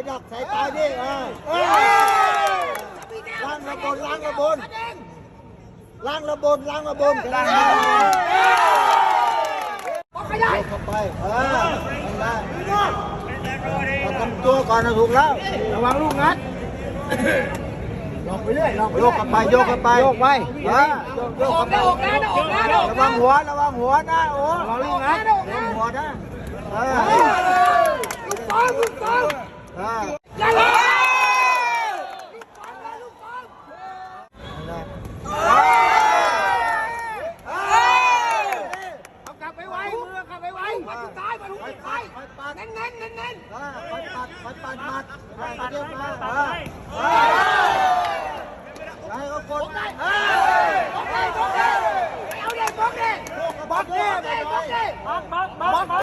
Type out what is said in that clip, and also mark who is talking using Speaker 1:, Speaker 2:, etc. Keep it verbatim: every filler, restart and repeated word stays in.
Speaker 1: ดักสายตาดิเออล้างระบนล้างระบนล้างระบนล้างระบนกันนะยกเข้าไปเออได้ทำตัวก่อนนะถูกแล้วระวังลูกงัดลองไปเรื่อยลองไปโยกเข้าไปโยกเข้าไปโยกไปเออโยกเข้าไประวังหัวระวังหัวนะโอ้ระวังลูกงัดระวังหัวนะเออลูกบอลลูกบอลเออเน้นเน้นเน้นเน้นคอยปัดคอยปัดปัดปัดเยอะมาเออให้เขากดบล็อกเลยบล็อกเลยบล็อกเลยบล็อกเลยบล็อกเลยบล็อกเลยบล็อกบล็อกบล็อก